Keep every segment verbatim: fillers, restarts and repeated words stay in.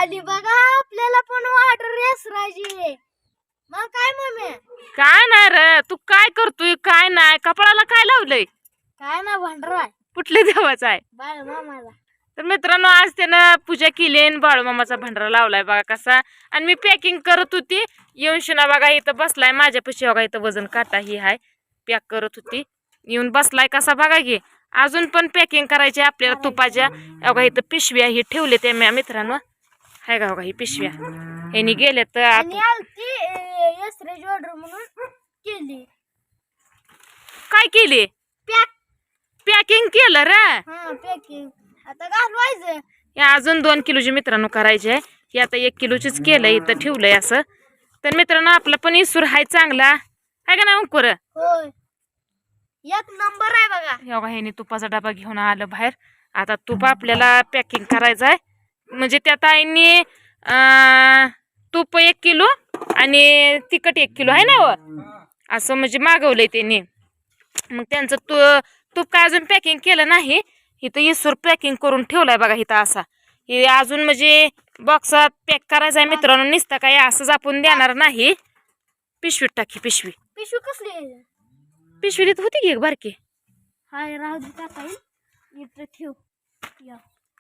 आली बघा आपल्याला पण ऑर्डर रेसरायची. मग काय मम्मी? काय नाही रे, तू काय करतोय काय नाही? कपाळाला काय लावलंय? काय ना भांडरा कुठल्या देवाचा आहे? बाळ मामाला. तर मित्रांनो, आज त्यानं पूजा केली आणि बाळूमामाचा भंडारा लावलाय बघा कसा. आणि मी पॅकिंग करत होती, येऊन शिना बघा इथं बसलाय माझ्यापाशी. बघा इथं वजन काटा ही हाय, पॅक करत होती, येऊन बसलाय कसा बघा की. अजून पण पॅकिंग करायची आपल्याला तुपाच्या. बघा इथं पिशव्या ही ठेवले ते मी मित्रांनो, हाय का बघा ही पिशव्या. ह्यांनी गेले तर आणि आलती रेसरायची ऑर्डर म्हणून केली. काय केली? पॅक पॅकिंग केलं रे. हा पॅकिंग आता घालवायचं. हे अजून दोन किलोची मित्रांनो करायचे आहे. हे आता एक किलोचीच केलंय, इथं ठेवलंय असं. तर मित्रांनो, आपला पण इसूर हाय चांगला आहे का नाही अंकुर? होय, एक नंबर आहे बघा. हे बघा ह्याने तुपाचा डबा घेऊन आलं बाहेर. आता तूप आपल्याला पॅकिंग करायचं आहे. म्हणजे त्या ताईंनी तूप एक किलो आणि तिखट एक किलो आहे ना व, असं म्हणजे मागवलंय त्यांनी. मग त्यांचं तू तूप काय अजून पॅकिंग केलं नाही. इथं इसूर पॅकिंग करून ठेवलाय बघा इथं असा. हे अजून म्हणजे बॉक्सात पॅक करायचं आहे मित्रांनो. निसता काय असंच आपण देणार नाही. पिशवीत टाकी पिशवी. पिशवी कसली आहे? पिशवी तिथं होती की एक बारकी. हाय राहू दे टाकाई. इथं ठेव. या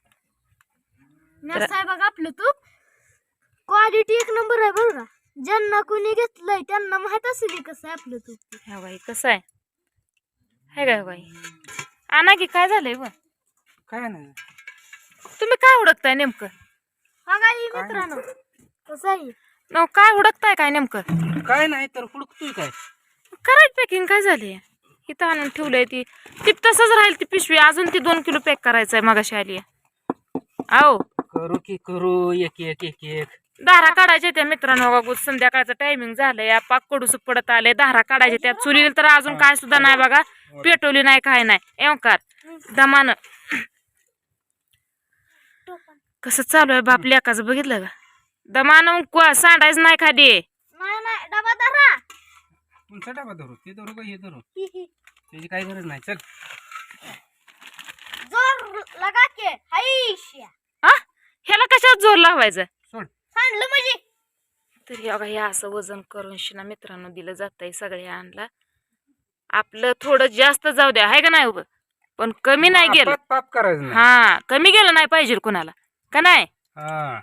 मस्त आहे बघा आपलं तूप. क्वालिटी एक नंबर आहे बरं का. ज्यांना कोणी घेतलंय त्यांना माहित असेल कसं आहे आपलं तूप. ह्या बाई कसं आहे, हाय का बाई? आणा की काय झालंय व? काय नाही. तुम्ही काय हुडकताय नेमकं? हा काय मित्रांनो कसं आहे? न काय हुडकताय काय नेमकं? काय नाही तर हुडकतोय काय. करायची पॅकिंग काय झाली? इथं आणून ठेवलंय ती ती तसंच राहील ती पिशवी. अजून ती दोन किलो पॅक करायचंय मगाशी आली. आओ करू की करू एक एक एक एक दारा काढायच्या त्या मित्रांनो. बघा संध्याकाळचं टायमिंग झालंय, पाक कडूस पडत आले. दारा काढायचे त्या चुलीला तर अजून काय सुद्धा नाही बघा. पेटवली नाही काय नाही. एवकार दमान कसं चालू आहे बाप लेकाचं बघितलं का? दमान सांडायचं नाही खाली. नाही नाही डबा धरा. तुमचा डबा धरू ते धरू का हे धरू, त्याची काही गरज नाही. चल जोर लगा के हाईश्या. हा ह्याला कशात जोर लावायचा? सोड. सांडलं म्हणजे तरी बघा हे असं वजन करून शिना मित्रांनो दिलं जातंय सगळ्या आणला. आपलं थोडं जास्त जाऊ द्या आहे का नाही उभं, पण कमी नाही गेलं. पाप पाप करायचं नाही. हा कमी गेलं नाही पाहिजे कुणाला का नाही. हा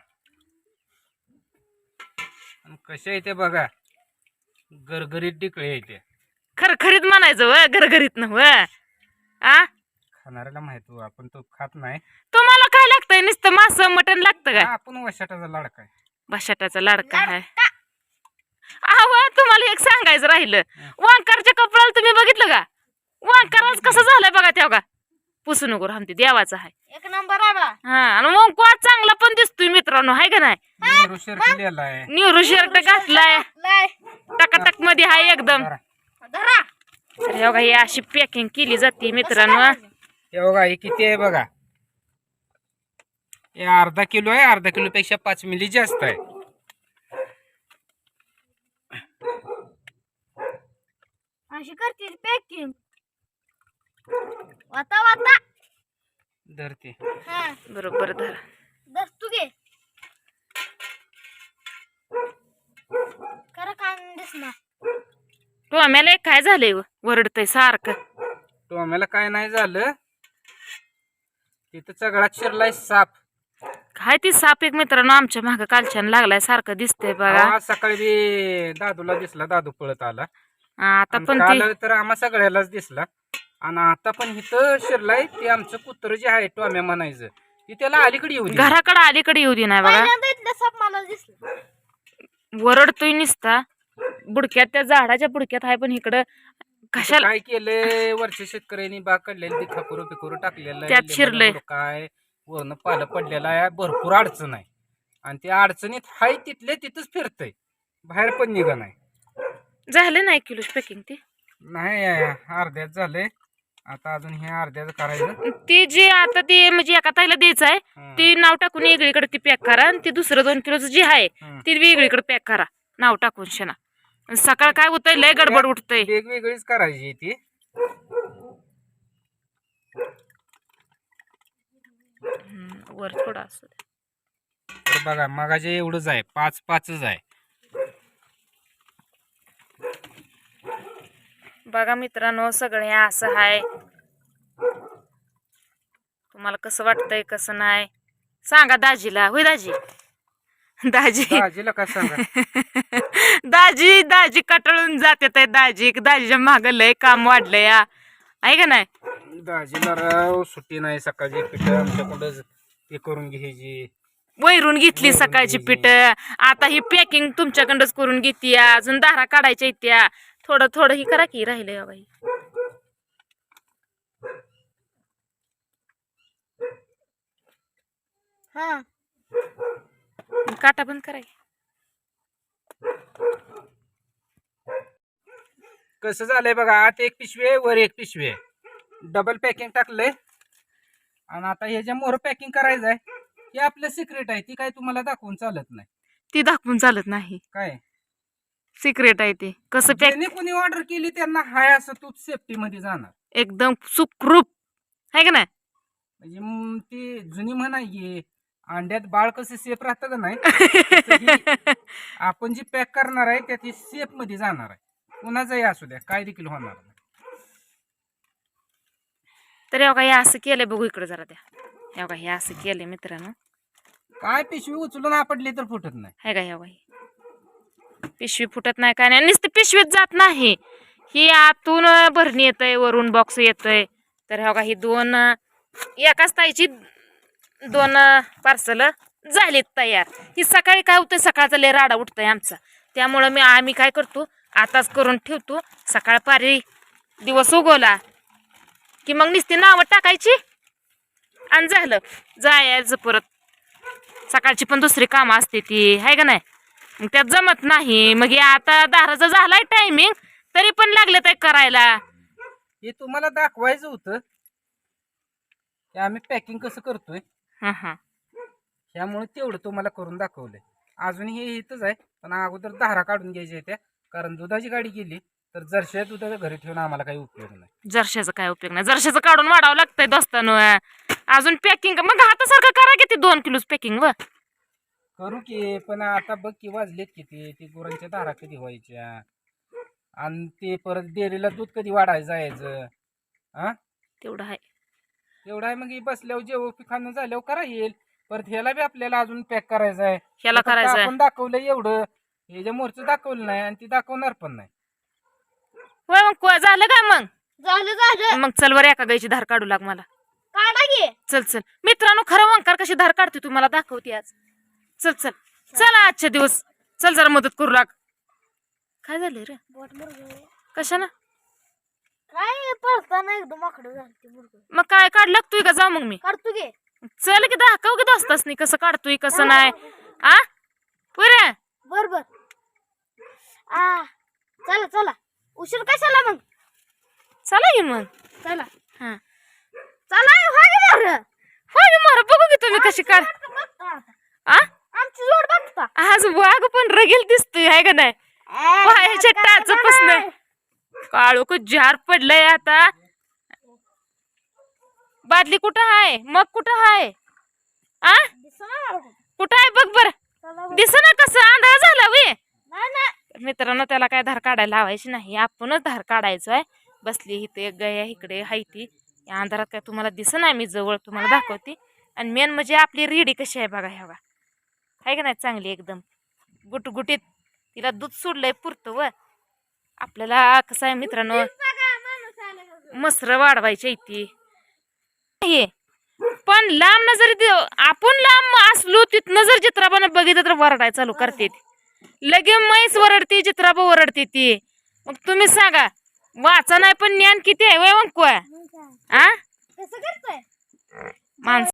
कशा येते बघा, गरगरीत डिकळे येते. खरखरीत म्हणायचं व घरघरीत न व. आ खाणाऱ्याला माहित हो, आपण तो खात नाही. तुम्हाला काय लागतंय? नुसतं मांस मटण लागतं का? आपण वशाटाचा लाडका आहे. बशाटाचा लाडका आहे. अहो तुम्हाला एक सांगायचं राहिलं, वांकारच्या कपड्याला तुम्ही बघितलं का? वांकारच कसं झालंय बघा तेव्हा. पुसू नको रामती देवाचा आहे. एक नंबर आहे बा. हा आणि मग कोण चांगला पण दिसतोय मित्रांनो आहे का नाही. नेहरू शर्ट लिहिलाय. न्यूरो शर्ट घातलाय, लय टकाटक मध्ये आहे एकदम. धरा. तर हे बघा ही अशी पॅकिंग केली जाते मित्रांनो. हे बघा हे किती आहे बघा. हे अर्धा किलो आहे. अर्धा किलो पेक्षा पाच मिली जास्त आहे. अशी करते पॅकिंग. वाता वाता धरते. हा बरोबर धरा. दस तू घे. खरं काय दिसणार. तो आम्हाला एक काय झालंय वरडतय सारखं. तो आम्हाला काय नाही झालं, तिथं सगळ्यात शिरलाय साप. काय ती साप एक मित्रांनो आमच्या मागं कालच्यान लागलाय सारखं दिसतंय बघा. आज सकाळी बी दादूला दिसला, दादू पळत आला. आता आणि पण काल ती तर आम्हा सगळ्यालाच दिसला. आणि आता पण इथं शिरलाय. ते आमचं कुत्र जे आहे टोम्या म्हणायचं, ती त्याला अलीकडे येऊ दे. घराकडे अलीकडे येऊ दे नाही बघा. पहिल्यांदा इथलं साप मला दिसलं. वरडतोय निसता. बुडक्यात त्या झाडाच्या बुडक्यात आहे, पण इकडं कशाला काय केलंय वरच्या शेतकऱ्यांनी बाग काढलेली ती खाकुरं पिकुरं टाकलेलं आहे. त्यात शिरलंय. काय वरनं पालं पडलेलं आहे. भरपूर अडचण आहे आणि त्या अडचणीत हाय तिथले तिथंच फिरतय, बाहेर पण निघा नाही. झालं नाही किलो पॅकिंग ती नाही अर्ध्यात झालंय. आता अजून हे अर्ध्याच करायचं. ती जी आता ती म्हणजे एका ताईला द्यायचं आहे हं. ती नाव टाकून वेगळीकडे ती पॅक करा. आणि ती दुसरं दोन किलोचं जी आहे हं. ती वेगळीकडे पॅक करा नाव टाकून शेना. सकाळ काय होतंय लय गडबड उठतंय. वेगवेगळीच करायची ती. वर थोडा असं हे बघा मगाचे एवढंच आहे, पाच पाचच आहे. बघा मित्रांनो सगळे असं आहे. तुम्हाला कसं वाटतंय कसं नाही सांगा दाजीला. होय दाजी? दाजी दाजीला काय सांगा. दाजी दाजी कटाळून जाते ताई. दाजी दाजीच्या माग लय काम वाढलंय या, आहे का नाही? दाजीला राव सुट्टी नाही. सकाळची पिठं आमच्याकडं ते करून घ्यायची, वैरून घेतली सकाळची पीठ. आता ही पॅकिंग तुमच्याकडंच करून घेते. अजून दारा काढायच्या इत्या. थोडं थोडं ही करा की राहिलंय बाई. हा काटा बंद कराय. कसं झालंय बघा, आत एक पिशवी आहे वर एक पिशवी आहे. डबल पॅकिंग टाकलंय आणि आता हे जे मोर पॅकिंग करायचं आहे हे आपलं सिक्रेट आहे. ती काय तुम्हाला दाखवून चालत नाही. ती दाखवून चालत नाही, काय सिक्रेट आहे ते. कसं पॅक ज्यांनी कोणी ऑर्डर केली त्यांना हाय असं तूप सेफ्टी मध्ये जाणार. एकदम सुखरूप, आहे का नाही? म्हणजे म, ती जुनी म्हण आहे, अंड्यात बाळ कसं सेफ राहतं का नाही तसं ही आपण जी पॅक करणार आहे त्या ती सेफ मध्ये जाणार आहे. कुणाचंही असू द्या, काय देखील होणार नाही. तर हे बघा हे असं केलंय. बघू इकडे जरा द्या. हे बघा हे असं केलंय मित्रांनो. काय पिशवी उचलून आपडली तर फुटत नाही. आहे का? हे बघा हे पिशवी फुटत नाही काय नाही. नुसतं पिशवीत जात नाही, ही आतून भरणी येतंय, वरून बॉक्स येतोय. तर हे बघा ही दोन एकाच ताईची दोन पार्सल झालीत तयार. ही सकाळी काय होतंय, सकाळचा लय राडा उठतोय आमचा. त्यामुळं मी आम्ही काय करतो आताच करून ठेवतो. सकाळ पारी दिवस उगवला की मग नुसती नावं टाकायची आणि झालं जायचं परत. सकाळची पण दुसरी कामं असते ती, आहे का नाही? मग त्यात जमत नाही. मग हे आता दहाचा झालाय टायमिंग तरी पण लागलं ते करायला. हे तुम्हाला दाखवायचं होतं की आम्ही पॅकिंग कसं करतोय. हा हा त्यामुळे तेवढं तुम्हाला करून दाखवलंय. अजून हे इथंच आहे, पण अगोदर धारा काढून घ्यायच्या त्या. कारण दुधाची गाडी गेली तर जर्शा दुधाच्या घरी ठेवून आम्हाला काही उपयोग नाही. जर्शाचा काय उपयोग नाही. जर्शाचं काढून वाढावं लागतंय दोस्तानं. अजून पॅकिंग मग हातासारखं करा किती दोन किलोच पॅकिंग व करू की, पण आता बघ की वाजलेत किती. ते गुरांच्या धारा कधी व्हायच्या आणि ते परत डेअरीला दूध कधी वाढायचं जायचं. हा तेवढं आहे. एवढं आहे. मग हे बसल्यावर जेव्हा खाणं झाल्यावर करा येईल. परत ह्याला बी आपल्याला अजून पॅक करायचं आहे. ह्याला फक्त करायचंय. आपण दाखवलं एवढं, हे जे मोरचं दाखवलं नाही आणि ती दाखवणार पण नाही. होय मग को- झालं का मग? झालं झालं. मग चल वर एका गायची धार काढू लाग मला. काढा घे. चल चल मित्रांनो, खरं वंकार कशी धार काढते तुम्हाला दाखवते आज. चल चल चला आजच्या दिवस चल जरा मदत करू लाग. काय झालं रे? बोट मुरगळ. कशानं? काय पळताना एकदम आकडं झालं ते मुरगळ. मग काय काढ लागतोय का? जाऊ मग मी. काढतो घे. चल की दाखव की दोस्तास नाही कसं काढतोय कसं नाही. आ पुरे बर बर. आ चला चला. उशीर कशाला मग? चला की मग. चला हा चला हा गे मोर. होय मोर बघू की तुम्ही कशी काढ. आ आमची जोड बघता. आज वाघ पण रगेल दिसतोय, आहे का नाही? पायाच्या टाचपासून काळू को जार पडलंय आता. बादली कुठं आहे? मग कुठं आहे? आ कुठं आहे बघ बर. दिसना कसं आंधळा झाला वे. मित्रांनो त्याला काय धार काढायला लावायची नाही, आपणच धार काढायचो आहे. बसली इथे गया इकडे हाय ती. या अंधारात काय तुम्हाला दिसत नाही, मी जवळ तुम्हाला दाखवते. आणि मेन म्हणजे आपली रेडी कशी आहे बघा. ह्या आहे का नाही चांगली एकदम गुटगुटीत. तिला दूध सोडलंय पुरतं व आपल्याला कसं आहे मित्रांनो मसर वाढवायची इथे. हे पण लांब नजर देव आपण लांब असलो तिथनं जर चित्राबानं बघितलं तर वरडाय चालू करते. लगे म्हैस वरडते, चित्राबा वरडते ती. मग तुम्ही सांगा वाचा नाही पण ज्ञान किती आहे वय मग को. आ कसं करतोय माणसं